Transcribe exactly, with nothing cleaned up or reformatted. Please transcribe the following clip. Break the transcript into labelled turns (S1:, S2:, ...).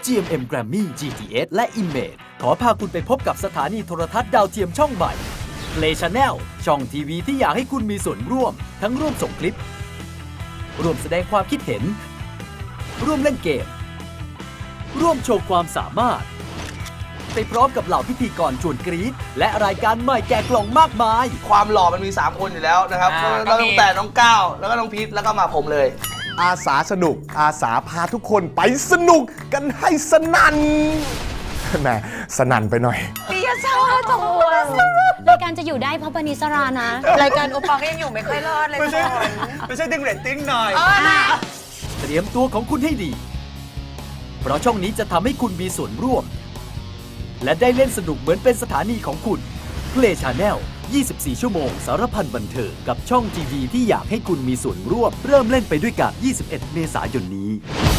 S1: จี เอ็ม เอ็ม Grammy จี ที เอส และ Image ขอพาคุณไปพบกับสถานีโทรทัศน์ดาวเทียมช่องใหม่ Play Channel ช่องทีวีที่อยากให้คุณมีส่วนร่วม ทั้งร่วมส่งคลิป ร่วมแสดงความคิดเห็น ร่วมเล่นเกม ร่วมโชว์ความสามารถ ไปพร้อมกับเหล่าพิธีกรชวนกรี๊ดและรายการใหม่แกะกล่องมากมาย
S2: ความหล่อมันมีสามคนอยู่แล้วนะครับ
S3: อ่า
S2: แล้วตั้งแต่น้องก้าวแล้วก็น้องพีทแล้วก็มาผมเลย
S4: อาสาสนุกอาสาพาทุกคนไปสนุกกันให้สนั่นแหมสนั่นไปหน่อย
S3: ปิยชาติจังหวะ
S5: รายการจะอยู่ได้เพราะปณิสรานะ
S3: รายการโอปอลก็ยังอยู่ไม่ค่อยรอดเลย
S6: ไม่ใช่
S3: ก่อน
S6: ไม่ใช่ดึงเรตติ้งหน่อย
S3: เออนะ
S1: เตรียมตัวของคุณให้ดี เพราะช่องนี้จะทำให้คุณมีส่วนร่วม และได้เล่นสนุกเหมือนเป็นสถานีของคุณ Play Channel ยี่สิบสี่ ชั่วโมงสารพันบันเทิงกับช่องทีวีที่อยากให้คุณมีส่วนร่วม เริ่มเล่นไปด้วยกัน ยี่สิบเอ็ด เมษายนนี้